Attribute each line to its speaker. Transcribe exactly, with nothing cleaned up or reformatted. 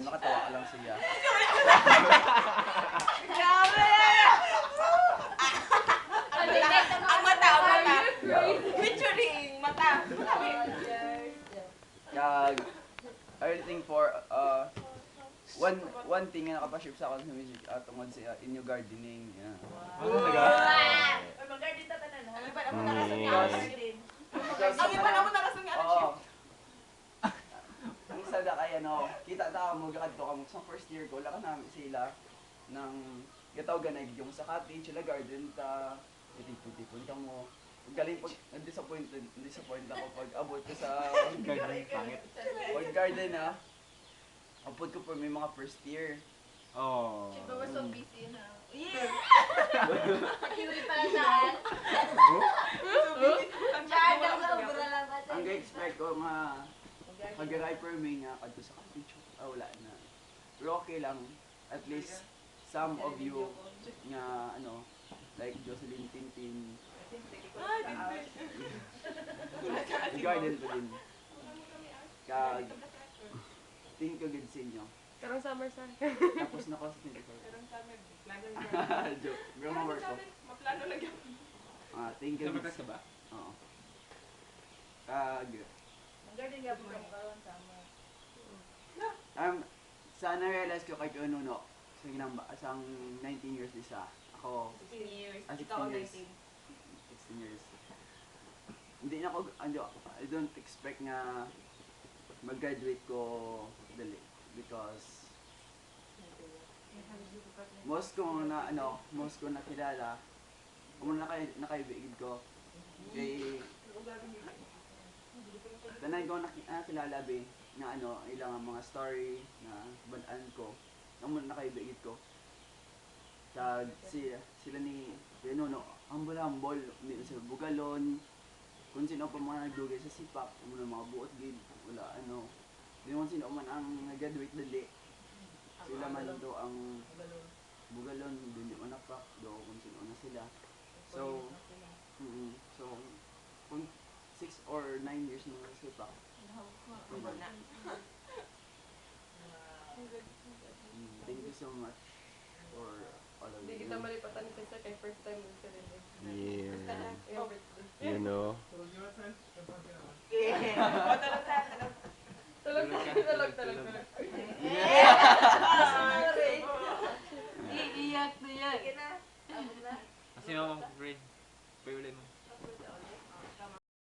Speaker 1: nakatawa ka lang siya.
Speaker 2: Grabe! Ang mata, ang mata. Featuring mata.
Speaker 1: Kag, everything for, uh, one one thing nga nakapaship sa akin sa music uh, tungod sa inyo gardening. Yeah.
Speaker 3: Ano talaga?
Speaker 2: Ay, mag-garden ta tanan, no? Ang iba naman narasan nga ang garden. Ang iba naman narasan nga ang
Speaker 1: Oo. Ang isa na kaya no, kita ta mo gakadto ka mo sa first year ko, laka namin sila ng gataw ganay yung sa cottage, sila garden ta, itipon-tipon ka mo. Galing pag disappointed, disappointed ako pag abot ko sa
Speaker 3: Garden, pangit.
Speaker 1: pag garden na. Abot ko for may mga first year.
Speaker 3: Oh.
Speaker 2: Shit, but we're so busy na. Yeah! Pakiuli pala saan? Diyan lang sa ubra lang ba?
Speaker 1: Ang ga-expect ko nga mag-arrive for me nga kadto sa cottage. Ah, wala na. Pero okay lang. At least some of you nga ano, like Jocelyn Tintin, garden ko din. Kag tingin ko good sa inyo.
Speaker 4: Karong summer sa.
Speaker 1: Tapos na ko sa twenty-four. Joke. Pero mga work ko.
Speaker 2: Maplano lang yun.
Speaker 1: Ah, tingin ko good.
Speaker 3: Nabatas ka ba?
Speaker 1: Oo. Kag
Speaker 2: Mag-garden nga po kami karon sama.
Speaker 1: um sa na-realize ko kay Kununo sa ginang asang nineteen years isa. Ako
Speaker 2: sixteen years.
Speaker 1: Ah,
Speaker 2: Ikaw
Speaker 1: sixteen years.
Speaker 2: nineteen.
Speaker 1: sixteen years. Hindi na ako, ano, I don't expect nga mag-graduate ko dali because most ko na ano, most ko nakilala, kung nakay nakaibigid ko kay tanan ko nak- nakilala be na ano, ilang mga story na balaan ko, amo nakaibigid ko. Tag si sila ni Nuno, ambol-ambol, hindi na sila bugalon. Kung sino pa mga nagdugay sa sipak, mo na mga buot gid, wala ano. Di mo sino man ang nag-graduate dali. Sila man do ang bugalon, hindi mo napak, do kung sino na sila. So, mm so kung six or nine years na sa sipak. Mm, thank you so much for all of
Speaker 4: Hindi
Speaker 1: you.
Speaker 4: kita malipatan sa isa kay first time mo sa rin.
Speaker 5: Yeah.
Speaker 4: Yung birthday.
Speaker 5: You know.
Speaker 2: Yeah. Tulog sa tulog.
Speaker 4: Tulog, tulog, tulog, tulog.
Speaker 2: Sorry. Iiyak na yan. Sige na. Abot na.
Speaker 3: Kasi mamang grade. Pwede mo.